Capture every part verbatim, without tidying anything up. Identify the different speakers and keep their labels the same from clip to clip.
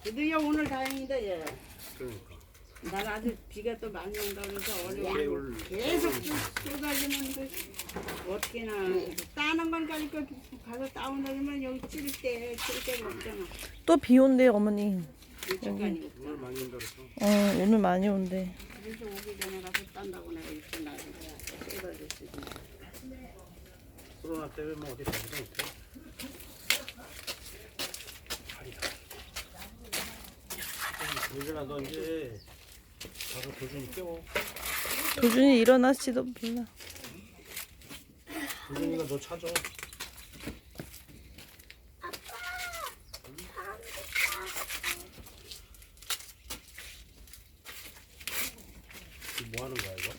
Speaker 1: 드디어 오늘 다행이다 얘.
Speaker 2: 그러니까.
Speaker 1: 난 아주 비가 또 많이 온다 그래서 어려워.
Speaker 2: 개울.
Speaker 1: 계속 쏟아지는데 어떻게나 따는 건 가니까 가서 따온다 그러면 여기 찌를 때 찌를 때가 없잖아.
Speaker 3: 또 비 온대 어머니.
Speaker 1: 일찍간이
Speaker 2: 오늘
Speaker 1: 없잖아.
Speaker 2: 많이 온다 그랬어.
Speaker 3: 어 오늘 많이 온대.
Speaker 1: 그래서 오기 전에 가서 딴다고 내가 일찍 나서 쏟아졌지.
Speaker 2: 코로나 때문에 뭐 어디 가지도 못해. 요즘아 너 이제 가서 도준이 깨워.
Speaker 3: 도준이 일어나지도 몰라.
Speaker 2: 도준이가 너 찾아. 이거 뭐 하는 거야 이거?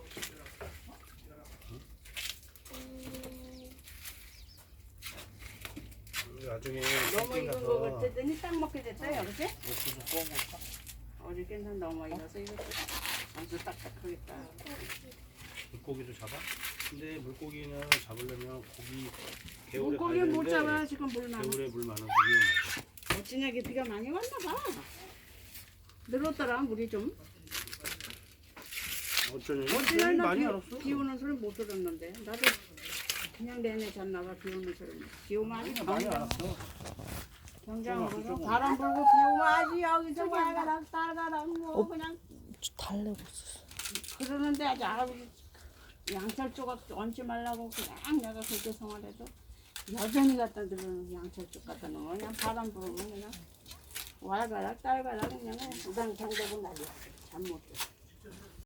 Speaker 2: 응? 나중에
Speaker 1: 너무
Speaker 2: 캠핑
Speaker 1: 익은 거
Speaker 2: 가서
Speaker 1: 같더니 딱 먹게 됐다 여보지?
Speaker 2: 옥수수 구워 먹자.
Speaker 1: 어저께는 너무 익어서 이거 아주 딱딱하겠다.
Speaker 2: 물고기도 잡아? 근데 물고기는 잡으려면 고기 개울에
Speaker 1: 물고기
Speaker 2: 가야
Speaker 1: 못
Speaker 2: 되는데
Speaker 1: 잡아 지금 물 많아.
Speaker 2: 개울에 물 많아서 위험하죠.
Speaker 1: 어찌나게 비가 많이 왔나 봐. 늘었더라 물이 좀.
Speaker 2: 어쩌니?
Speaker 1: 어찌나 나
Speaker 2: 많이
Speaker 1: 비,
Speaker 2: 알았어.
Speaker 1: 비 오는 소리 못 들었는데 나도 그냥 내내 잤나 봐비 오는 소리. 비 오면 아주
Speaker 2: 많이
Speaker 1: 경장,
Speaker 2: 알았어.
Speaker 1: 경장으로
Speaker 2: 좀
Speaker 1: 바람 불고 비 오면 아주 여기서 와가락 따가락 뭐
Speaker 3: 어.
Speaker 1: 그냥
Speaker 3: 달래고 있었어.
Speaker 1: 그러는데 아주 할아버지 양철 조각 얹지 말라고 그냥 내가 그렇게 생활해도 여전히 갖다 들으면 양철 쪽 갖다 놓으면 그냥 바람 불으면 그냥 와가락 따가락 그냥 우당탕 되고 난리야. 잠 못 자.